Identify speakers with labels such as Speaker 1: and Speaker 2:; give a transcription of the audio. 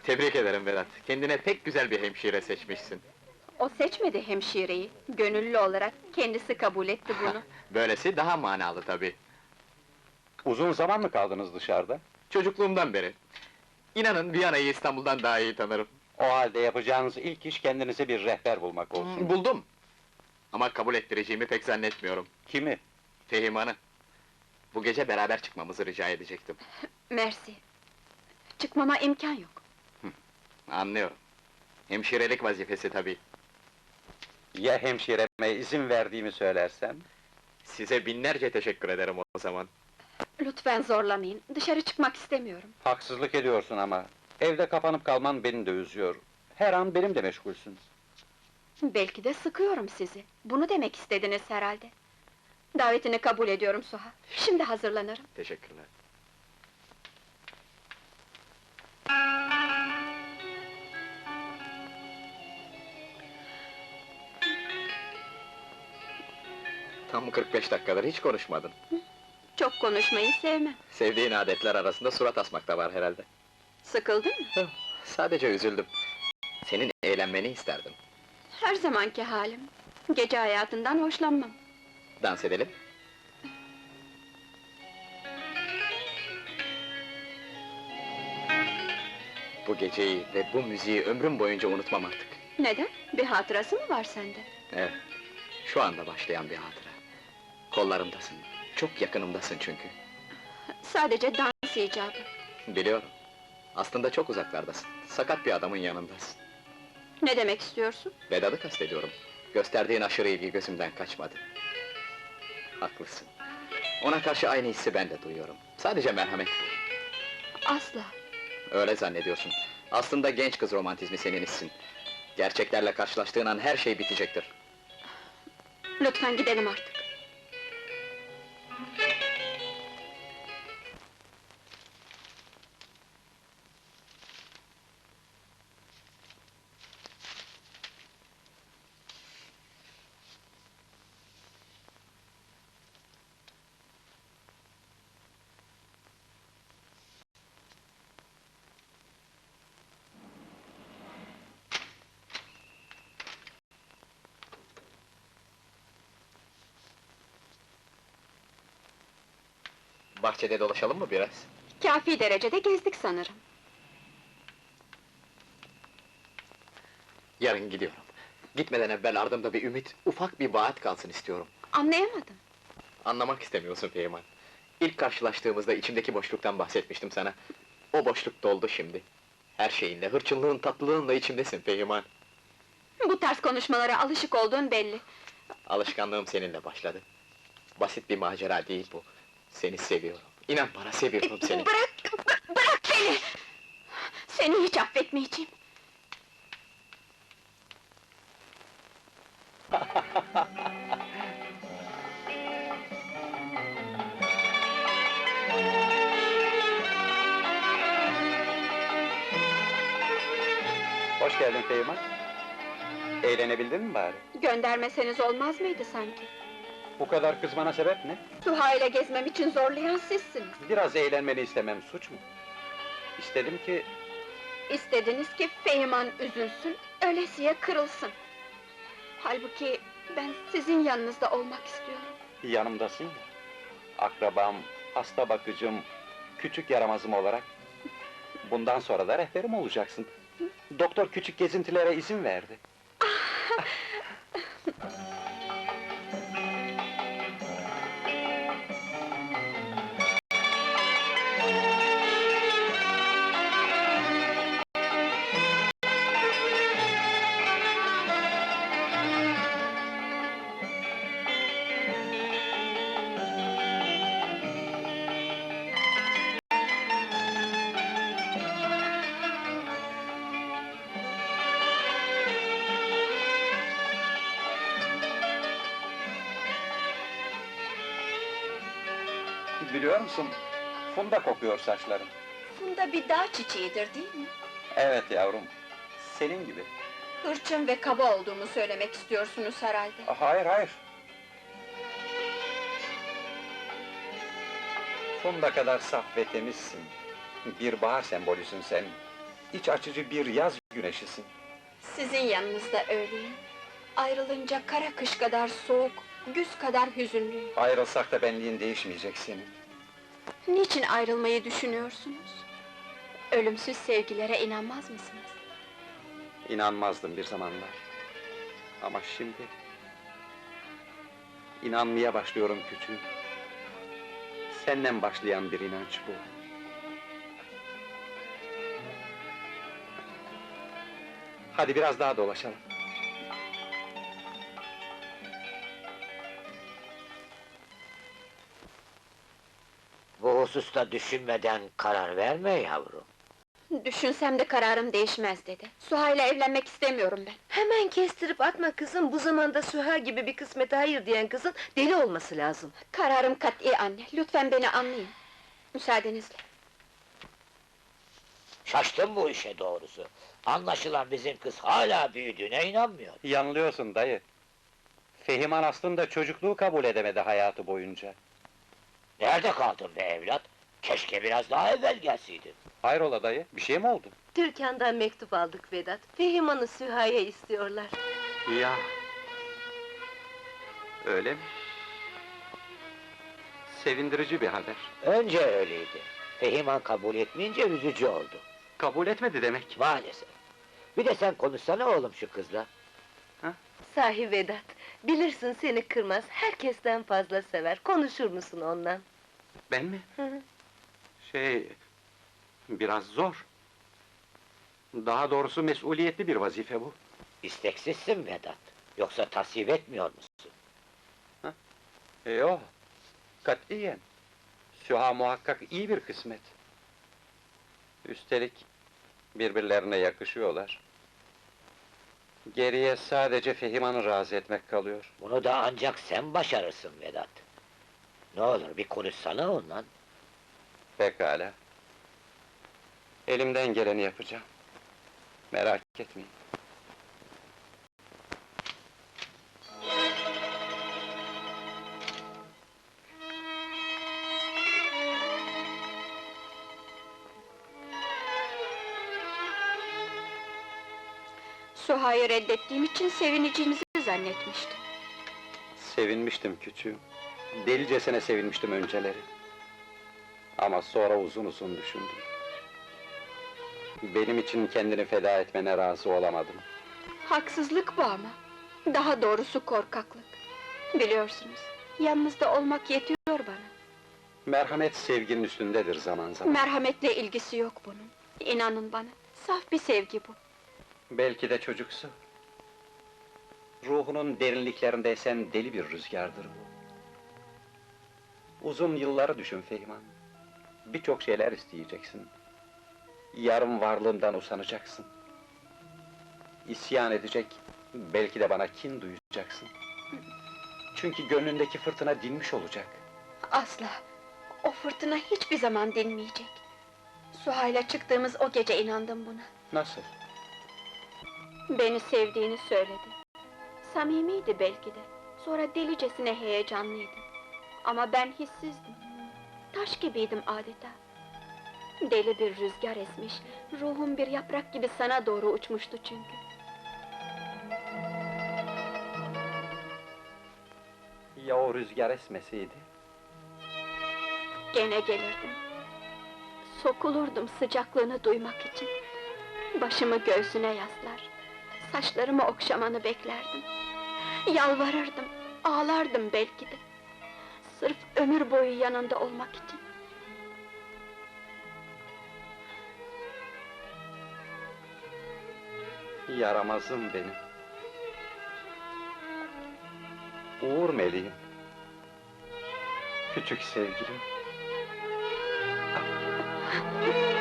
Speaker 1: Tebrik ederim Vedat. Kendine pek güzel bir hemşire seçmişsin.
Speaker 2: O seçmedi hemşireyi, gönüllü olarak kendisi kabul etti bunu.
Speaker 1: Böylesi daha manalı tabii.
Speaker 3: Uzun zaman mı kaldınız dışarıda?
Speaker 1: Çocukluğumdan beri. İnanın Viyana'yı İstanbul'dan daha iyi tanırım.
Speaker 3: O halde yapacağınız ilk iş kendinize bir rehber bulmak olsun.
Speaker 1: Buldum. Ama kabul ettireceğimi pek zannetmiyorum.
Speaker 3: Kimi?
Speaker 1: Fehiman'ı. Bu gece beraber çıkmamızı rica edecektim.
Speaker 2: Mersi. Çıkmama imkan yok.
Speaker 1: Anlıyorum. Hemşirelik vazifesi tabii.
Speaker 3: Ya hemşireme izin verdiğimi söylersem?
Speaker 1: Size binlerce teşekkür ederim o zaman.
Speaker 2: Lütfen zorlamayın, dışarı çıkmak istemiyorum.
Speaker 3: Haksızlık ediyorsun ama. Evde kapanıp kalman beni de üzüyor. Her an benim de meşgulsün.
Speaker 2: Belki de sıkıyorum sizi. Bunu demek istediniz herhalde. Davetini kabul ediyorum Suha. Şimdi hazırlanırım.
Speaker 1: Teşekkürler. Tam 45 dakikadır hiç konuşmadın.
Speaker 2: Çok konuşmayı sevmem.
Speaker 1: Sevdiğin adetler arasında surat asmak da var herhalde.
Speaker 2: Sıkıldın mı?
Speaker 1: Sadece üzüldüm. Senin eğlenmeni isterdim.
Speaker 2: Her zamanki halim. Gece hayatından hoşlanmam.
Speaker 1: Dans edelim. Bu geceyi ve bu müziği ömrüm boyunca unutmam artık.
Speaker 2: Neden? Bir hatırası mı var sende?
Speaker 1: Evet, şu anda başlayan bir hatıra. Kollarımdasın, çok yakınımdasın çünkü.
Speaker 2: Sadece dans icabı.
Speaker 1: Biliyorum. Aslında çok uzaklardasın. Sakat bir adamın yanındasın.
Speaker 2: Ne demek istiyorsun?
Speaker 1: Vedat'ı kastediyorum. Gösterdiğin aşırı ilgi gözümden kaçmadı. Haklısın. Ona karşı aynı hissi ben de duyuyorum. Sadece merhamet bu.
Speaker 2: Asla.
Speaker 1: Öyle zannediyorsun. Aslında genç kız romantizmi senin hissin. Gerçeklerle karşılaştığın an her şey bitecektir.
Speaker 2: Lütfen gidelim artık.
Speaker 1: Bahçede dolaşalım mı biraz?
Speaker 2: Kâfi derecede gezdik sanırım.
Speaker 1: Yarın gidiyorum. Gitmeden evvel ardımda bir ümit, ufak bir vaat kalsın istiyorum.
Speaker 2: Anlayamadım.
Speaker 1: Anlamak istemiyorsun Feyman. İlk karşılaştığımızda içimdeki boşluktan bahsetmiştim sana. O boşluk doldu şimdi. Her şeyinle, hırçınlığın, tatlılığınla içimdesin Feyman.
Speaker 2: Bu tarz konuşmalara alışık olduğun belli.
Speaker 1: Alışkanlığım seninle başladı. Basit bir macera değil bu. Seni seviyorum. İnan bana, seviyorum seni.
Speaker 2: Bırak beni! Seni hiç affetmeyeceğim.
Speaker 3: Hoş geldin Feyman. Eğlenebildin mi bari?
Speaker 2: Göndermeseniz olmaz mıydı sanki?
Speaker 3: Bu kadar kızmana sebep ne?
Speaker 2: Suha ile gezmem için zorlayan sizsiniz.
Speaker 3: Biraz eğlenmeni istemem suç mu? İstedim ki
Speaker 2: İstediniz ki Fehiman üzülsün, ölesiye kırılsın. Halbuki ben sizin yanınızda olmak istiyorum.
Speaker 3: yanımdasın ya. Akrabam, hasta bakıcım, küçük yaramazım olarak. Bundan sonra da rehberim olacaksın. Doktor küçük gezintilere izin verdi. Biliyor musun, funda kokuyor saçların.
Speaker 2: Funda bir dağ çiçeğidir değil mi?
Speaker 3: Evet yavrum, senin gibi.
Speaker 2: Hırçın ve kaba olduğumu söylemek istiyorsunuz herhalde.
Speaker 3: Hayır, hayır. Funda kadar saf ve temizsin. Bir bahar sembolüsün sen. iç açıcı bir yaz güneşisin.
Speaker 2: Sizin yanınızda öyleyim. Ayrılınca kara kış kadar soğuk, güz kadar hüzünlüyüm.
Speaker 3: Ayrılsak da benliğin değişmeyecek senin.
Speaker 2: Niçin ayrılmayı düşünüyorsunuz? Ölümsüz sevgilere inanmaz mısınız?
Speaker 3: İnanmazdım bir zamanlar. Ama şimdi... inanmaya başlıyorum küçüğüm. Seninle başlayan bir inanç bu. Hadi biraz daha dolaşalım.
Speaker 4: Bu hususta düşünmeden karar verme yavrum.
Speaker 2: Düşünsem de kararım değişmez dedi. Suha'yla evlenmek istemiyorum ben.
Speaker 5: Hemen kestirip atma kızım, bu zamanda Süha gibi bir kısmete hayır diyen kızın deli olması lazım.
Speaker 2: Kararım kat'i anne, lütfen beni anlayın. Müsaadenizle.
Speaker 4: Şaştım bu işe doğrusu. Anlaşılan bizim kız hala büyüdüğüne inanmıyor.
Speaker 3: Yanılıyorsun dayı. Fehiman aslında çocukluğu kabul edemedi hayatı boyunca.
Speaker 4: Nerede kaldın be evlat? Keşke biraz daha evvel gelseydin.
Speaker 3: Hayrola dayı, bir şey mi oldu?
Speaker 5: Türkan'dan mektup aldık Vedat. Fehiman'ı Süha'ya istiyorlar.
Speaker 3: Ya... öyle mi? Sevindirici bir haber.
Speaker 4: Önce öyleydi. Fehiman kabul etmeyince üzücü oldu.
Speaker 3: Kabul etmedi demek.
Speaker 4: Maalesef. Bir de sen konuşsana oğlum şu kızla.
Speaker 5: Sahi Vedat, bilirsin seni kırmaz, herkesten fazla sever. Konuşur musun onunla?
Speaker 3: Ben mi?
Speaker 5: Hı hı.
Speaker 3: Biraz zor. Daha doğrusu mesuliyetli bir vazife bu.
Speaker 4: İsteksizsin Vedat. Yoksa tasvip etmiyor musun?
Speaker 3: Yok, katiyen. Süha muhakkak iyi bir kısmet. Üstelik birbirlerine yakışıyorlar. Geriye sadece Fehiman'ı razı etmek kalıyor.
Speaker 4: Bunu da ancak sen başarırsın Vedat. Ne olur bir konuşsana onunla.
Speaker 3: Pekala. Elimden geleni yapacağım. Merak etmeyin.
Speaker 2: Suha'yı reddettiğim için sevineceğinizi zannetmiştim.
Speaker 3: Sevinmiştim küçüğüm. Delicesine sevinmiştim önceleri. Ama sonra uzun uzun düşündüm. Benim için kendini feda etmene razı olamadım.
Speaker 2: Haksızlık bu ama. Daha doğrusu korkaklık. Biliyorsunuz, yanınızda olmak yetiyor bana.
Speaker 3: Merhamet sevginin üstündedir zaman zaman.
Speaker 2: Merhametle ilgisi yok bunun. İnanın bana, saf bir sevgi bu.
Speaker 3: Belki de çocuksu. Ruhunun derinliklerinde esen deli bir rüzgardır bu. Uzun yılları düşün Fehiman. Birçok şeyler isteyeceksin. Yarın varlığından usanacaksın. İsyan edecek, belki de bana kin duyacaksın. Çünkü gönlündeki fırtına dinmiş olacak.
Speaker 2: Asla! O fırtına hiçbir zaman dinmeyecek. Suha'yla çıktığımız o gece inandım buna.
Speaker 3: Nasıl?
Speaker 2: Beni sevdiğini söyledi. Samimiydi belki de. Sonra delicesine heyecanlıydı. Ama ben hissizdim. Taş gibiydim adeta. Deli bir rüzgar esmiş, ruhum bir yaprak gibi sana doğru uçmuştu çünkü.
Speaker 3: Ya o rüzgar esmeseydi?
Speaker 2: Gene gelirdim. Sokulurdum sıcaklığını duymak için. Başımı göğsüne yaslar, saçlarımı okşamanı beklerdim. Yalvarırdım, ağlardım belki de. Sırf ömür boyu yanında olmak için.
Speaker 3: Yaramazım benim. Uğur meleğim. Küçük sevgilim.